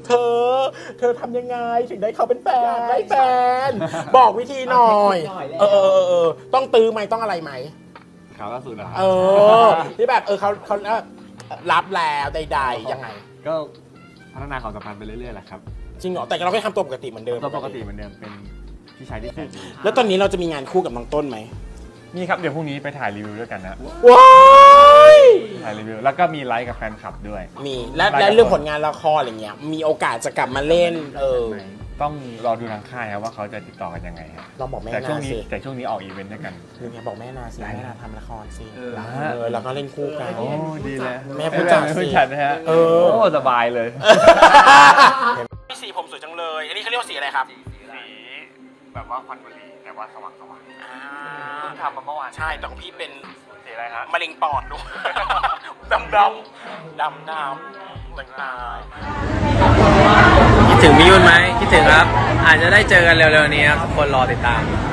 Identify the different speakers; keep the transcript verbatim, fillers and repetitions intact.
Speaker 1: เธอเธอทำยังไงถึงได้เขาเป็นแฟนได้แฟนบอกวิธีหน่อยเออเออเออต้องตื้อไหมต้องอะไรไหม
Speaker 2: ข่าวล่าสุดนะครับ
Speaker 1: เออที่แบบเออเขาเขารับแล้วใดๆยังไง
Speaker 2: ก็พัฒนาความสัมพันธ์ไปเรื่อยๆแหละครับ
Speaker 1: จริงเหรอแต่เราก็ทำตัวปกติเหมือนเดิม
Speaker 2: ตัวปกติเหมือนเดิมเป็นพี่ชายที่แสนดี
Speaker 1: แล้วตอนนี้เราจะมีงานคู่กับน้องต้นไหม
Speaker 3: นี่ครับเดี๋ยวพรุ่งนี้ไปถ่ายรีวิวด้วยกันนะ
Speaker 1: ว้าย
Speaker 3: ถ่ายรีวิวแล้วก็มีไลฟ์กับแฟนคลับด้วย
Speaker 1: มีและและเรื่องผลงานละครอะไรเงี้ยมีโอกาสจะกลับมาเล่นเออ
Speaker 3: ต้องรอดูทางค่ายครับว่าเขาจะติดต่อกันยังไงครับ
Speaker 1: เราบอกแม่
Speaker 3: แต่ช่วง
Speaker 1: นา
Speaker 3: นี้
Speaker 1: สิ
Speaker 3: แต่ช่วงนี้ออกอีเวนต์ด้วยกัน
Speaker 1: คือไงบอกแม่นาสิแม่นาทำละครสิเออแล้วก็เล่นคู่กัน
Speaker 3: โอ้ดีเลย
Speaker 1: แม่ผู้จัดสิ
Speaker 3: ผู้จัดนะฮะ
Speaker 1: เออ
Speaker 3: โอ้สบายเลย
Speaker 1: พี่สีผมสวยจังเลยอันนี้เขาเรียกว่าสีอะไรครับ
Speaker 3: สีแบบว่าควันบุหรี่แต่ว่าสว่างสว่างเพิ่งทำมาเมื่อวาน
Speaker 1: ใช่แต่ของพี่เป็น
Speaker 3: สีอะไรฮะ
Speaker 1: มะเร็งปอดด้วยดำดำดำน้ำต่าง
Speaker 4: คิดถึงพี่ยุ่นไหมคิดถึงครับอาจจะได้เจอกันเร็วๆนี้ครับทุกคนรอติดตาม